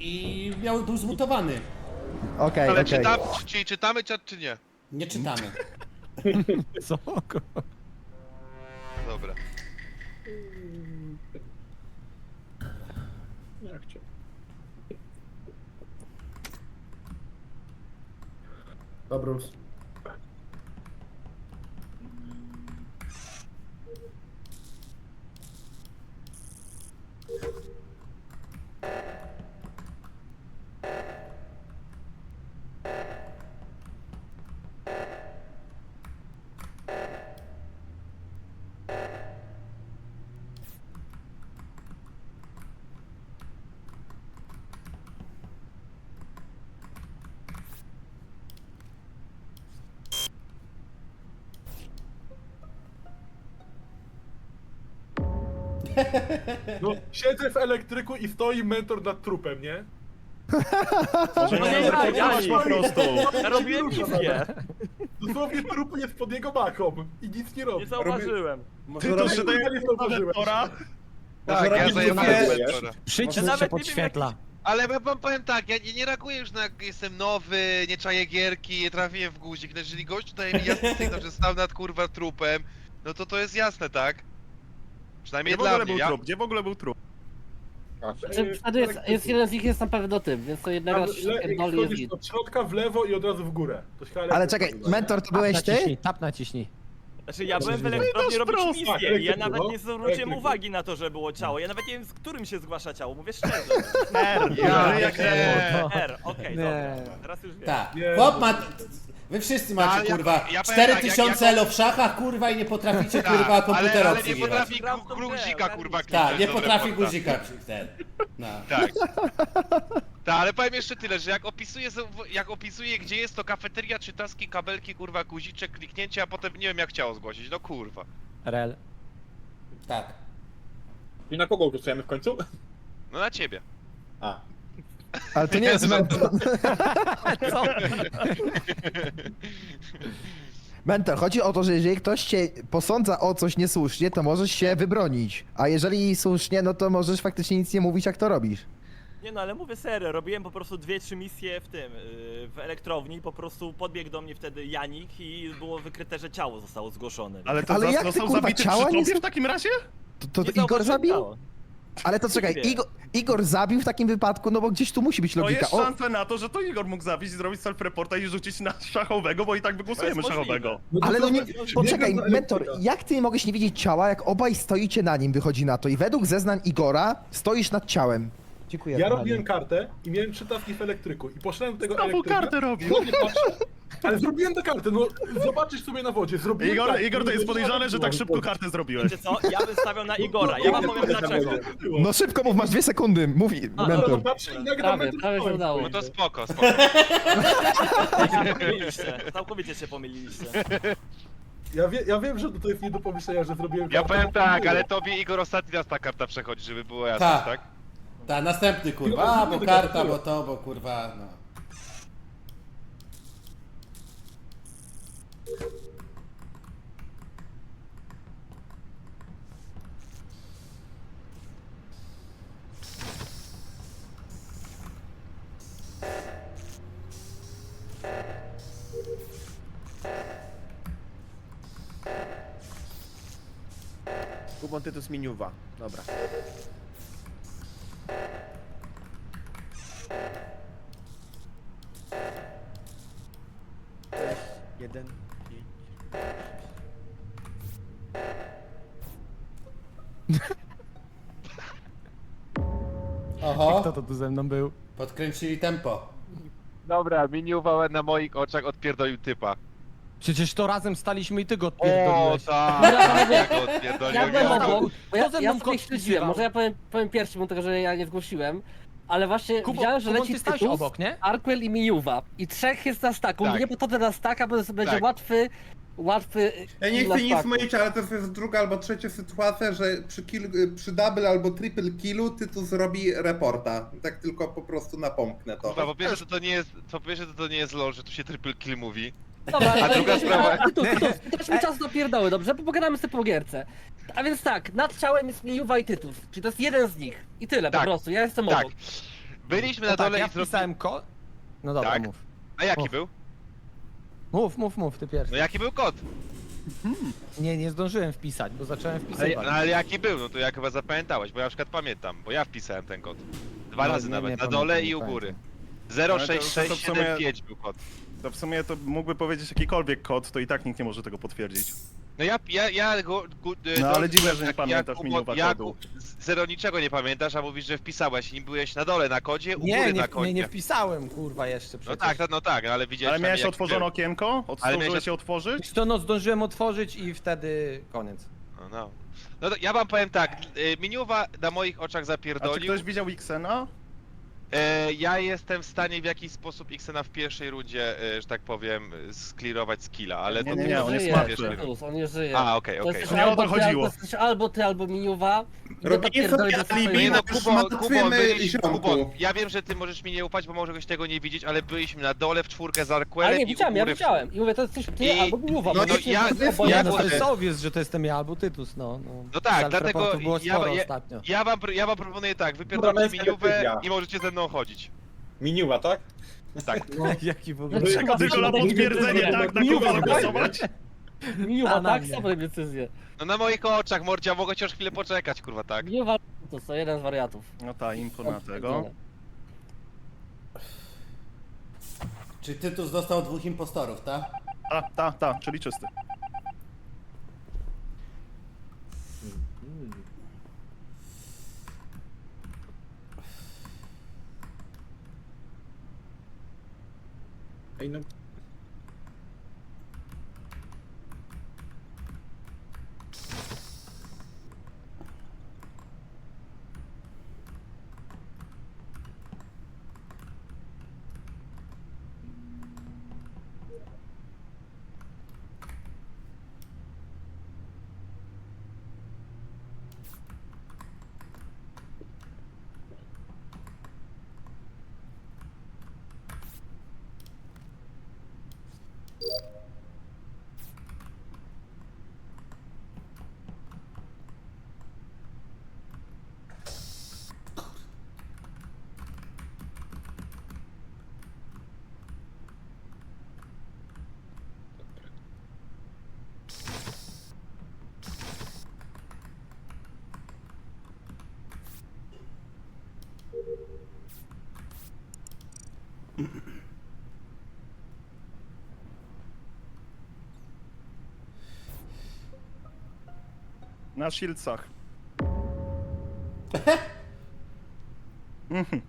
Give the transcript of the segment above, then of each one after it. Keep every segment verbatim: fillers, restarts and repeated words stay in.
i miał, był zmutowany. Okej, Ale okej. czytam, czy, czy czytamy czat, czy nie? Nie czytamy. Co? Dobra. Jak cię? Dobra, Bruce. No, siedzę w elektryku i stoi mentor nad trupem, nie? Może No nie nie, zreportować ja- po prostu. Ja robiłem misję. Dosłownie trup jest pod jego baką i nic nie robi. Nie zauważyłem. Ty to Może się daje nie zauważyłeś. mentora? Tak, ja robić zajmowałem dwie- mentora. Ja Przycisk się nawet nie wiem, podświetla. Ale ja wam powiem tak, ja nie, nie reaguję już na jestem nowy, nie czaję gierki, nie trafiłem w guzik. No jeżeli gość daje mi jasny sygnał, że stał nad kurwa trupem, no to to jest jasne, tak? Przynajmniej Gdzie w dla ogóle mnie. był Ja... trup? Gdzie w ogóle był trup? Znaczy, wtedy jest, jest jeden z nich jest na pewno tym, więc to jednego Tam z le- pierdoli jest Chodzisz git. od środka w lewo i od razu w górę. To się Ale czekaj, mentor to byłeś ty? naciśnij, tap naciśnij. Znaczy ja byłem w elektrowni robić prosto. misję i ja Tak, nawet nie elektryku, zwróciłem elektryku. uwagi na to, że było ciało. Ja nawet nie wiem, z którym się zgłasza ciało, mówię szczerze. R, Ja, jak nie. R, okej, dobra. Teraz już wiem. Tak. Nie. Chłop ma... Wy wszyscy macie, Ale ja- kurwa, ja powiem cztery tak, jak- tysiące jak- elo w szachach, kurwa, i nie potraficie, Tak, kurwa, ale, komputera ale nie obsługiwać. potrafi Gram w tą gru- grę, guzika ogarnij. kurwa Tak, kliknąć nie do potrafi reporta. guzika przy ten. No. Tak. Tak, ale powiem jeszcze tyle, że jak opisuję, jak opisuję gdzie jest to kafeteria, czy taski, kabelki, kurwa, guziczek, kliknięcie, a potem nie wiem jak chciało zgłosić, no kurwa. Rel. Tak. I na kogo głosujemy w końcu? No na ciebie. A. Ale to nie jest mentor. Co? Mentor, chodzi o to, że jeżeli ktoś cię posądza o coś niesłusznie, to możesz się wybronić. A jeżeli słusznie, no to możesz faktycznie nic nie mówić, jak to robisz. Nie no, ale mówię serio, robiłem po prostu dwie, trzy misje w tym, yy, w elektrowni, po prostu podbiegł do mnie wtedy Janik i było wykryte, że ciało zostało zgłoszone. Ale to Ale zas- jak ty, został kurwa, zabity ciała przy nie tobie są- w takim razie? To, to, Nie to Igor zauważyłem zabił? ciała. Ale to czekaj, Nie. Igor, Igor zabił w takim wypadku, no bo gdzieś tu musi być To logika. jest O, szansa na to, że to Igor mógł zabić, zrobić self-reporta i rzucić na szachowego, bo i tak wygłosujemy To jest szachowego. ale no nie, poczekaj, biegam do mentor, elektryka. jak ty mogłeś nie widzieć ciała, jak obaj stoicie na nim, wychodzi na to i według zeznań Igora stoisz nad ciałem. Dziękuję. Ja kochani. robiłem kartę i miałem trzy taski w elektryku i poszedłem do tego Znowu elektryka. kartę robił. Znowu patrzę, ale zrobiłem tę kartę, no zobaczysz sobie na wodzie, zrobiłem Igor, kartę, Igor to jest no, podejrzane, że tak no, szybko no, kartę zrobiłeś. Wiecie co, ja bym stawiał na Igora, ja wam powiem dlaczego. No szybko mów, masz dwie sekundy, mówi A, No, mentor. patrzę i nagle Prawie, mentor prawie się stoi. udało. No to spoko, spoko. Pomyliliście, całkowicie się pomyliliście. Ja, wie, ja wiem, że to jest nie do pomyślenia, że zrobiłem Ja kartę, powiem bo tak, było. ale tobie Igor ostatni raz ta karta przechodzi, żeby było jasne, Tak. tak? Tak, następny, kurwa, a, bo karta, bo to, bo kurwa, no. Kubon Tytus Miniuwa. Dobra. Jeden, pięć. Oho, to tu ze mną był? podkręcili tempo. Dobra, miniuwa na moich oczach odpierdolił typa. Przecież to razem staliśmy i ty go O, odpierdoliłeś. tak, Dobra, ja go odpierdolił. Ja byłem ja go- obok, bo ja, Kto ze ja mną sobie kot śledziłem, wpisywał? może ja powiem, powiem pierwszy, bo tego, że ja nie zgłosiłem, ale właśnie Kubo, widziałem, że Kubo, leci ty stałeś Tytus, obok, nie? Arquel i Mijuwa i trzech jest na staku, Tak. nie podchodzę na staka, bo będzie Tak. łatwy, łatwy Ja nie na chcę nic staku. mówić, ale to jest druga albo trzecia sytuacja, że przy, kill, przy double albo triple killu Tytus zrobi reporta. Tak tylko po prostu napomknę to. Kurwa, po pierwsze to, to nie jest, po pierwsze to, to nie jest lol, że tu się triple kill mówi. Dobra, A druga sprawa- Tytus, Tytus, dasz mi czas na pierdoły, dobrze? Pogadamy sobie po gierce. A więc tak, nad ciałem jest Mijuwa i Tytus, czyli to jest jeden z nich i tyle Tak. po prostu, ja jestem Tak. obok. Byliśmy na No tak, dole ja i zrobili... wpisałem kod. No dobra, Tak. mów. A jaki Mów. był? Mów, mów, mów, ty pierwszy. No jaki był kod? Nie, nie zdążyłem wpisać, bo zacząłem Ale, wpisywać. no, ale jaki był? No to ja chyba zapamiętałeś, bo ja na przykład pamiętam, bo ja wpisałem ten kod. Dwa No, razy nie, nawet, nie na dole pamiętam, i nie u góry. pamiętam. zero Ale to- sześć to sześć w sumie- siedem pięć był kod. To w sumie to mógłby powiedzieć jakikolwiek kod, to i tak nikt nie może tego potwierdzić. No ja, ja, ja go... Gu, No, ale dziwne, że nie jak- pamiętasz jak- miniuwa jak- kodu. Zero niczego nie pamiętasz, a mówisz, że wpisałeś i byłeś na dole na kodzie, u Nie, góry nie, na kodzie. nie, nie wpisałem, kurwa, jeszcze No przecież. tak, no, no tak, no, ale widziałeś Ale miałeś przynajmniej, jaki otworzone był. okienko? Ale Zdążyłeś miałeś- się otworzyć? Wiesz co, no zdążyłem otworzyć i wtedy koniec. No, no. No to ja wam powiem tak, y, Miniuwa na moich oczach A czy zapierdolił. ktoś widział Xena? E, ja jestem w stanie w jakiś sposób Xena w pierwszej rundzie, e, że tak powiem, sklirować skilla, ale Nie, to nie, nie, on jest żyje, martwy. Tytus, on nie żyje. A, okej, To okej. jesteś To nie o to albo ty, chodziło. albo- jesteś albo ty, albo Miniuwa. I Robienie dopierdoli sobie do swojej- alibi, Nie no, Już Kubo, Kubo, martwymy byliśmy, ziomku. Kubo, ja wiem, że ty możesz mi nie ufać, bo możesz tego nie widzieć, ale byliśmy na dole w czwórkę z Arquelem Ale nie, i u widziałem, ja góry w- widziałem. I mówię, to jesteś ty I- albo Miniuwa. no bo to jesteś ja- oboje ja- Ja, no na to jest Boże. obvious, że to jestem ja albo Tytus, no. No, No tak, Self-reportów dlatego było ja- sporo ja- ostatnio. Ja wam, ja wam proponuję tak, Dobra, wypierdolcie męska Miniuwę decyzja. i możecie ze mną chodzić. Miniuwa, tak? Tak. Jaki w ogóle... No, Czego tylko na potwierdzenie, tak, na kogo zagłosować? Miniuwa, A, na tak? mnie. Sobie decyzję. No na moich oczach, Mordzia, mogę chociaż chwilę poczekać, kurwa, tak. Miniuwa to jest jeden z wariatów. No ta, info na tego. Czy Tytus dostał dwóch impostorów, tak? Ta, ta, ta, czyli czysty. Ej, no. Na Shieldsach. Mhm.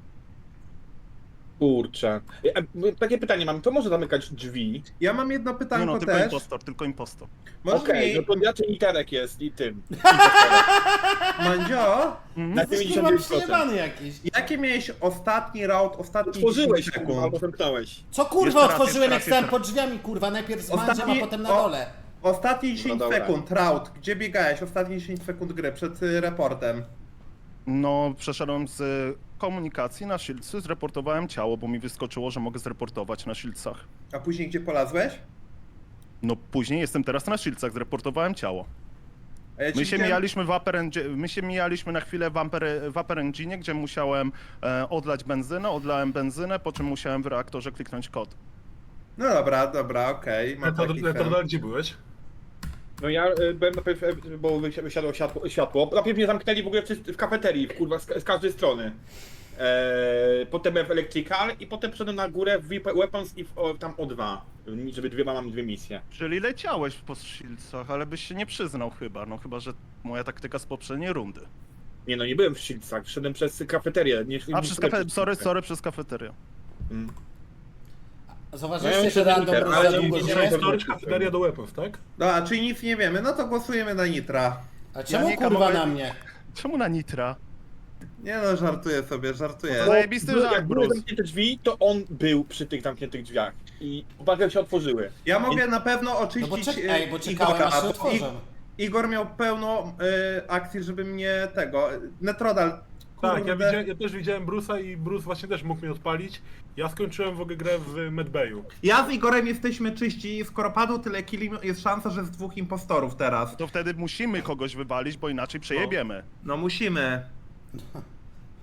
Kurczę. E, e, Takie pytanie mam, to może zamykać drzwi? Ja mam jedno Nie pytanko no, tylko też. impostor, tylko impostor. Możesz Okej, mi, no to raczej literek jest i tym. Mandzio, Na Jesteś kurwa dziewięćdziesiąt dziewięć procent. przyjebany jakiś. jakie miałeś ostatni round, ostatni Otworzyłeś, dziesięć kurwa, sekund? albo zamknąłeś. Co kurwa Jeszcze raz, otworzyłem, jak jeszcze stałem raz, pod drzwiami, kurwa, najpierw z mandziem, a Ostatni- potem na o- dole. Ostatnie dziesięć No dobra. sekund, round. Gdzie biegałeś? Ostatnie dziesięć sekund gry, przed y, reportem. No, przeszedłem z y, komunikacji na Shieldsy, zreportowałem ciało, bo mi wyskoczyło, że mogę zreportować na Shieldsach. A później gdzie polazłeś? No później jestem teraz na Shieldsach, zreportowałem ciało. A ja ci My się widziałem- mijaliśmy w Upper Engine, my się mijaliśmy na chwilę w Upper, w upper Engine, gdzie musiałem e, odlać benzynę, odlałem benzynę, po czym musiałem w reaktorze kliknąć kod. No dobra, dobra, okej. mam taki sen. Netodal, gdzie byłeś? No ja y, byłem najpierw, y, bo wysi- wysiadło światło, światło. Najpierw mnie zamknęli w ogóle w, w kafeterii, kurwa, z, z każdej strony. Eee, potem byłem w Electrical i potem wszedłem na górę w Weapons i w, o, tam O dwa, żeby dwie, mam dwie misje. Czyli leciałeś po Shieldsach, ale byś się nie przyznał chyba, no chyba, że moja taktyka z poprzedniej rundy. Nie no, nie byłem w Shieldsach, szedłem przez kafeterię. Nie, A nie przez szedłem kafe... sorry, Shieldsach. sorry, przez kafeterię. Mm. Zauważyliście, No, że ja random myślę, za ale długo nie- nie- żyje? nie- Storage kafeteria do weapons, tak? Dobra, czyli nic nie wiemy, no to głosujemy na Nitra. A czemu Janika kurwa mogę- na mnie? Czemu na Nitra? Nie no, żartuję sobie, żartuję. No to zajebisty Były- żart, Jak były Bruce. zamknięte drzwi, to on był przy tych zamkniętych drzwiach. I uwaga, się otworzyły. Ja mogę na pewno No oczyścić bo, czek- y, ej, bo czekałem Igora, aż się bo otworzę. I- Igor miał pełno y, akcji, żeby mnie tego... Netrodal, Tak, ja, kurde. widziałem, ja też widziałem Bruce'a i Bruce właśnie też mógł mnie odpalić. Ja skończyłem w ogóle grę w Medbayu. Ja z Igorem jesteśmy czyści, skoro padło tyle killi, jest szansa, że z dwóch impostorów teraz. To wtedy musimy kogoś wywalić, bo inaczej przejebiemy. No musimy.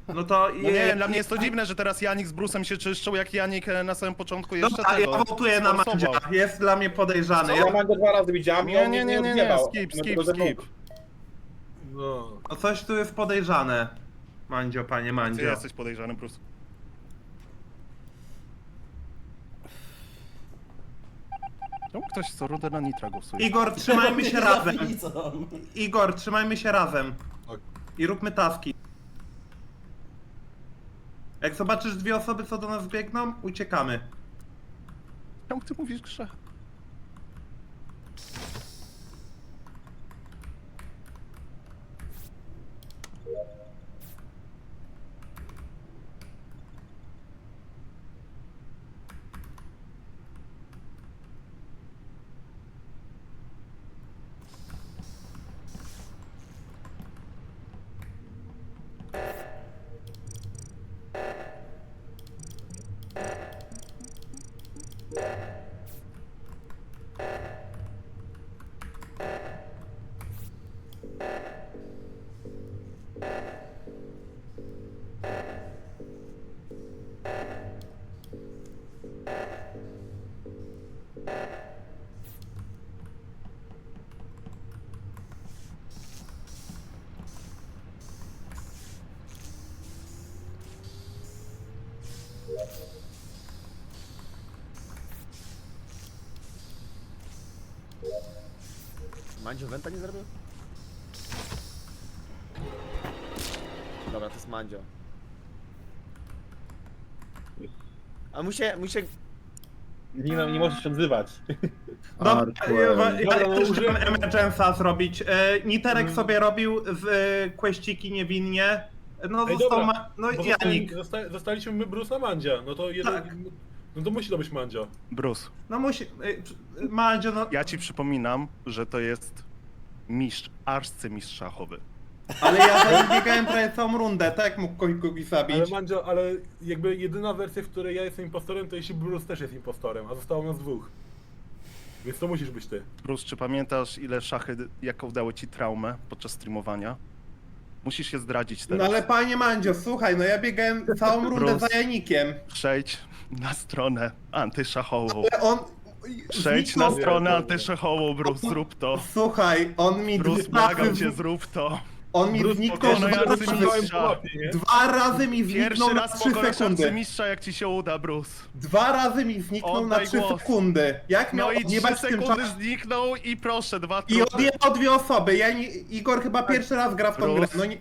No to... No nie, dla mnie jest to dziwne, że teraz Janik z Brusem się czyszczą, jak Janik e, na samym początku jeszcze Dobra, tego... ja wołtuję na Mandzia. sforsował. Jest dla mnie podejrzany. Ja Ja... Mandzio dwa razy widziałem i Nie, on nie, mnie nie, nie nie, nie, odjebał. skip, No skip, to ze mną- skip. No. No coś tu jest podejrzane. Mandzio, panie Ty Mandzio. jesteś podejrzany, Brus. Czemu ktoś co rudę na Nitra głosuje? Igor, trzymajmy się razem. Widzą. Igor, trzymajmy się razem. Tak. I róbmy taski. Jak zobaczysz dwie osoby, co do nas biegną, uciekamy. Czemu ty mówisz grze? Mandzio Wenta nie zrobił? Dobra, to jest Mandzio. A muszę, muszę... Nie, no, nie możesz się odzywać. Dobra, ja, ja, Dobra, ja no też użyłem- chciałem Emergence'a zrobić. E, Niterek Mm. sobie robił z e, questyki niewinnie. No Ej, został dobra, ma... No Bo Janik. zostali, zosta, zostaliśmy my Bruce na Mandzia. No to jeden... Tak. No to musi to być Mandzio. Brus, No musi... E, Mandzio, no... ja ci przypominam, że to jest mistrz, arcymistrz szachowy. Ale ja za nim biegałem prawie całą rundę, tak mógł kogoś, kogoś zabić. Ale Mandzio, ale jakby jedyna wersja, w której ja jestem impostorem, to jeśli Bruce też jest impostorem, a zostało nas dwóch. Więc to musisz być ty. Brus, czy pamiętasz, ile szachy, jaką dały ci traumę podczas streamowania? Musisz się zdradzić No teraz. ale panie Mandzio, słuchaj, no ja biegałem całą rundę Bruce. za Janikiem. Przejdź na stronę antyszachową. Ale on... Przejdź na zniknął- stronę antyszachową, Brus, zrób to. Słuchaj, on mi Brus, dwa błagam razy... cię, zrób to. On mi Bruce, zniknął spokojno, dwa ja razy. rozumiem. po mapie, nie? Dwa razy mi zniknął Pierwszy na raz trzy pokonasz sekundy. arcymistrza, jak ci się uda, Brus. Dwa razy mi zniknął na Oddaj trzy głos. sekundy. Jak miał No i trzy odjebać w tym sekundy czasie? zniknął i proszę, dwa I trupy. odjebał dwie osoby. Ja nie... Igor chyba pierwszy raz gra w tą grę. Bruce. No nie...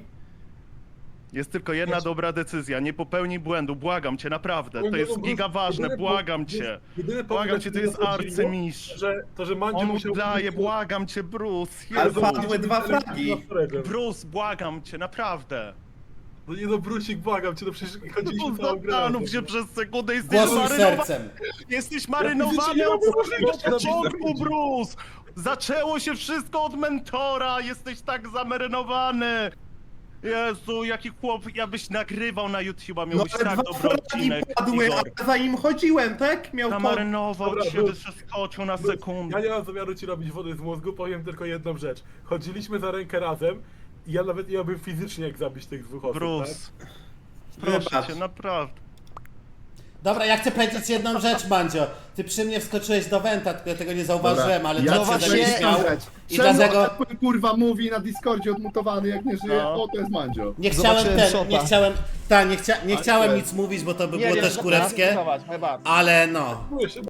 Jest tylko jedna dobra decyzja, nie popełnij błędu, błagam cię, naprawdę. To jest giga ważne, błagam cię. Jedyny Błagam cię, to jest arcymistrz. Że, to, że Mandzio On musiał... udaje, błagam cię, Bruce. Ale Jezu. padły dwa fragi. Bruce, błagam cię, naprawdę. No nie no, Brusik, błagam cię, no przecież chodziliśmy Bruce, całą grę. zastanów się przez sekundę, jesteś Głosuj marynowany. sercem. Jesteś fizycznie marynowany nie od mam samego możliwości początku, napisać. Bruce! Zaczęło się wszystko od mentora, jesteś tak zamarynowany! Jezu, jaki chłop, ja byś nagrywał na YouTube'a, No miałbyś ale tak dwa dobry fragi odcinek, padły, Igor. a za nim chodziłem, tak? Miał to... Zamarynował Dobra, się, Bruce. wyskoczył na Bruce, sekundę. Ja nie mam zamiaru ci robić wody z mózgu, powiem tylko jedną rzecz. Chodziliśmy za rękę razem i ja nawet nie miałbym fizycznie jak zabić tych dwóch osób, Bruce, tak? proszę Wybacz. cię, naprawdę. Dobra, ja chcę powiedzieć jedną rzecz, Mandzio. Ty przy mnie wskoczyłeś do Wenta, tylko ja tego nie zauważyłem, ale Ja czat się właśnie- zaśmiał. I Czemu dlatego Apple, kurwa mówi na Discordzie odmutowany jak nie żyje? No. O, to jest Mandzio. nie chciałem Zobaczyłem ten, szopa. nie chciałem, ta, nie, chcia, nie chciałem Ale- nic mówić, bo to by było też kureckie, ale no. Czuję się